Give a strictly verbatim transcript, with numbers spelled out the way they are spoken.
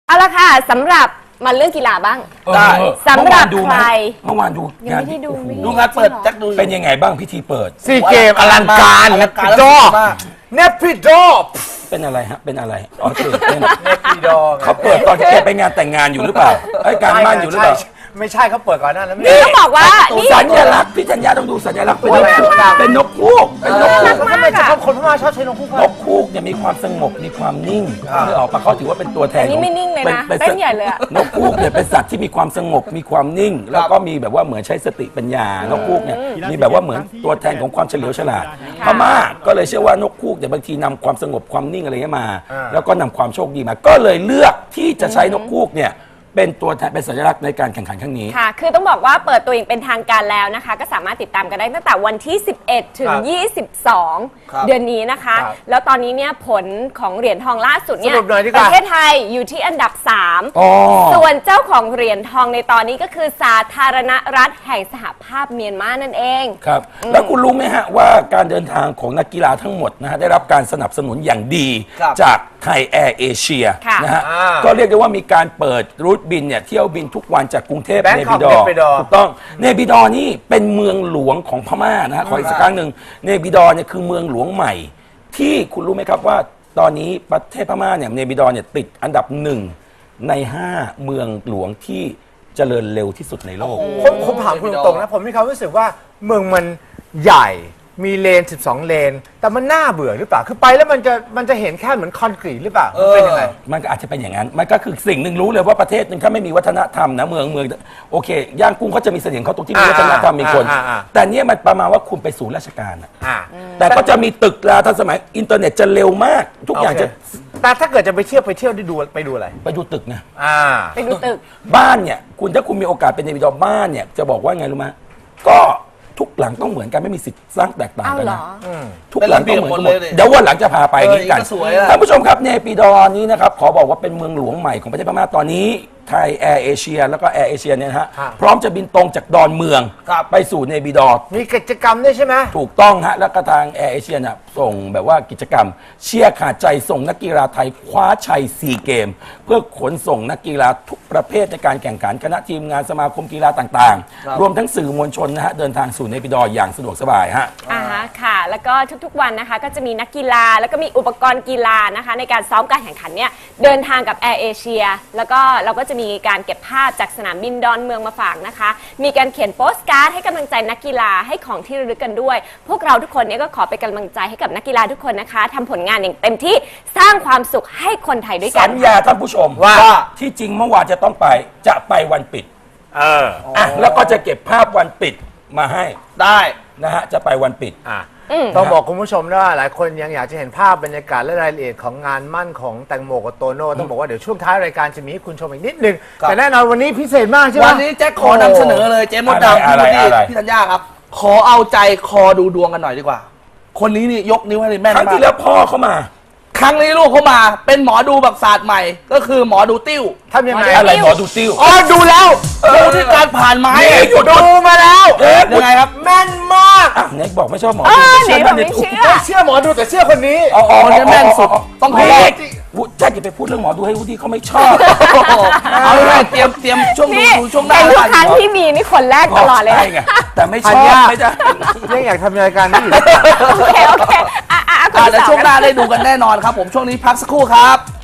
เอาละค่ะสำหรับมาเรื่องกีฬาบ้างได้สำหรับใครเมื่อวานดูยังไม่ได้ดูไม่ดูงานเปิดแจ็คดูเป็นยังไงบ้างพิธีเปิดซีเกมอลังการนะพี่โจเนปพี่โจเป็นอะไรฮะเป็นอะไรอ๋อตื่นเต้นเนปพี่โจเขาเปิดตอนที่แกไปงานแต่งงานอยู่หรือเปล่าไอ้ยการมั่นอยู่หรือเปล่าไม่ใช่เขาเปิดก่อนหน้านั้นนี่ต้องบอกว่านี่สัญลักษณ์พี่ธัญญาต้องดูสัญลักษณ์เป็นนกฮูกเป็นนกฮูกเป็นนกฮูกทำไมจะชอบคนพม่าชอบใช้นกคู่นกฮูกเนี่ยมีความสงบมีความนิ่งนึกออกปะเขาถือว่าเป็นตัวแทนอันนี้ไม่นิ่งเลยนะป็เต้นใหญ่เลยอะนกฮูกเนี่ยเป็นสัตว์ที่มีความสงบมีความนิ่ง แล้วก็มีแบบว่าเหมือนใช้สติปัญญานกฮูกเนี่ยมีแบบว่าเหมือนตัวแทนของความเฉลียวฉลาดพม่าก็เลยเชื่อว่านกฮูกเนี่ยบางทีนำความสงบความนิ่งอะไรเงี้ยมา แล้วก็นำความโชคดีมา ก็เลยเลือกที่จะใช้นกฮูกเนี่ยเป็นตัวแทนเป็นสัญลักษณ์ในการแข่งขันครั้งนี้ค่ะคือต้องบอกว่าเปิดตัวอย่างเป็นทางการแล้วนะคะก็สามารถติดตามกันได้ตั้งแต่วันที่ สิบเอ็ด ถึง ยี่สิบสอง เดือนนี้นะคะ แล้วตอนนี้เนี่ยผลของเหรียญทองล่าสุดเนี่ยประเทศไทยอยู่ที่อันดับ สาม ส่วนเจ้าของเหรียญทองในตอนนี้ก็คือสาธารณรัฐแห่งสหภาพเมียนมานั่นเองครับแล้วคุณรู้ไหมฮะว่าการเดินทางของนักกีฬาทั้งหมดนะฮะได้รับการสนับสนุนอย่างดีจากไทยแอร์เอเชียนะฮะก็เรียกได้ว่ามีการเปิดรูทบินเนี่ยเที่ยวบินทุกวันจากกรุงเทพเนปิดอร์ถูกต้องเนปิดอร์นี่เป็นเมืองหลวงของพม่านะฮะขออีกสักครั้งหนึ่งเนปิดอร์เนี่ยคือเมืองหลวงใหม่ที่คุณรู้ไหมครับว่าตอนนี้ประเทศพม่าเนี่ยเนปิดอร์เนี่ยติดอันดับหนึ่งในห้าเมืองหลวงที่เจริญเร็วที่สุดในโลกผมผมถามคุณตรงๆนะผมมีความรู้สึกว่าเมืองมันใหญ่มีเลนสิบสองเลนแต่มันน่าเบื่อหรือเปล่าคือไปแล้วมันจะมันจะเห็นแค่เหมือนคอนกรีตหรือเปล่าเป็นยังไงมันก็อาจจะเป็นอย่างนั้นมันก็คือสิ่งหนึ่งรู้เลยว่าประเทศหนึ่งถ้าไม่มีวัฒนธรรมนะเมืองเมืองโอเคย่างกุ้งเขาจะมีเสน่ห์เขาตรงที่มีวัฒนธรรมมีคนแต่เนี้ยมันประมาณว่าคุณไปศูนย์ราชการอะแต่ก็จะมีตึกราทันสมัยอินเทอร์เน็ตจะเร็วมากทุกอย่างจะแต่ถ้าเกิดจะไปเที่ยวไปเที่ยวได้ดูไปดูอะไรไปดูตึกไงไปดูตึกบ้านเนี่ยคุณถ้าคุณมีโอกาสเป็นในวิดีโอบ้านเนี่ยจะบอกว่าไงรู้ไหมก็ทุกหลังต้องเหมือนกันไม่มีสิทธิ์สร้างแตกต่างกันนะทุกหลังต้องเหมือนกันหมดเดี๋ยววันหลังจะพาไปนี้กันท่านผู้ชมครับเนปิดอร์นี้นะครับขอบอกว่าเป็นเมืองหลวงใหม่ของประเทศพม่าตอนนี้ไทยแอร์เอเชียแล้วก็แอร์เอเชียเนี่ยนะฮะพร้อมจะบินตรงจากดอนเมืองไปสู่เนปิดอร์มีกิจกรรมด้วยใช่ไหมถูกต้องฮะแล้วก็ทางแอร์เอเชียเนี่ยส่งแบบว่ากิจกรรมเชียร์ขาดใจส่งนักกีฬาไทยคว้าชัยซีเกมเพื่อขนส่งนักกีฬาทุกประเภทในการแข่งขันคณะทีมงานสมาคมกีฬาต่างๆรวมทั้งสื่อมวลชนนะฮะเดินทางสู่เนปิดอร์อย่างสะดวกสบายฮะอ่าฮะค่ะแล้วก็ทุกๆวันนะคะก็จะมีนักกีฬาแล้วก็มีอุปกรณ์กีฬานะคะในการซ้อมการแข่งขันเนี่ยเดินทางกับแอร์เอเชียแล้วก็เราก็จะมีการเก็บภาพจากสนามบินดอนเมืองมาฝากนะคะมีการเขียนโปสการ์ดให้กำลังใจนักกีฬาให้ของที่ระลึกกันด้วยพวกเราทุกคนเนี่ยก็ขอเป็นกำลังใจให้กับนักกีฬาทุกคนนะคะทำผลงานอย่างเต็มที่สร้างความสุขให้คนไทยด้วยกันสัญญาท่านผู้ชมว่าที่จริงเมื่อวานจะต้องไปจะไปวันปิดเอออ่ะแล้วก็จะเก็บภาพวันปิดมาให้ได้นะฮะจะไปวันปิดอ่ะต้องบอกคุณผู้ชมนะว่าหลายคนยังอยากจะเห็นภาพบรรยากาศและรายละเอียดของงานมั่นของแตงโมกับโตโน่ต้องบอกว่าเดี๋ยวช่วงท้ายรายการจะมีให้คุณชมอีกนิดนึงแต่แน่นอนวันนี้พิเศษมากใช่ไหมวันนี้แจ็คขอนำเสนอเลยเจ๊มดดำพี่พี่พี่ธัญญาครับขอเอาใจคอดูดวงกันหน่อยดีกว่าคนนี้นี่ยกนิ้วให้เลยแม่นมากครั้งที่แล้วพ่อเขามาครั้งนี้ลูกเขามาเป็นหมอดูแบบศาสตร์ใหม่ก็คือหมอดูติ้วทำยังไงอะไรหมอดูติ้วอ๋อดูแล้วดูที่การผ่านไม้ดูมาแล้วยังไงครับแม่นมากเน็กบอกไม่ชอบหมอดูเชื่อไม่เชื่อไม่เชื่อหมอดูแต่เชื่อคนนี้คนนี้แม่นสุดต้องขอวุฒิจะไปพูดเรื่องหมอดูให้วุฒิเขาไม่ชอบเอาเลยเตรียมเตรียมช่วงดูช่วงหน้าทุกครั้งที่มีนี่คนแรกตลอดเลยไงแต่ไม่ชอบไม่ได้ยังอยากทำรายการนี้โอเคโอเคอ่ะอ่ะเดี๋ยวช่วงหน้าได้ดูกันแน่นอนครับผมช่วงนี้พักสักครู่ครับ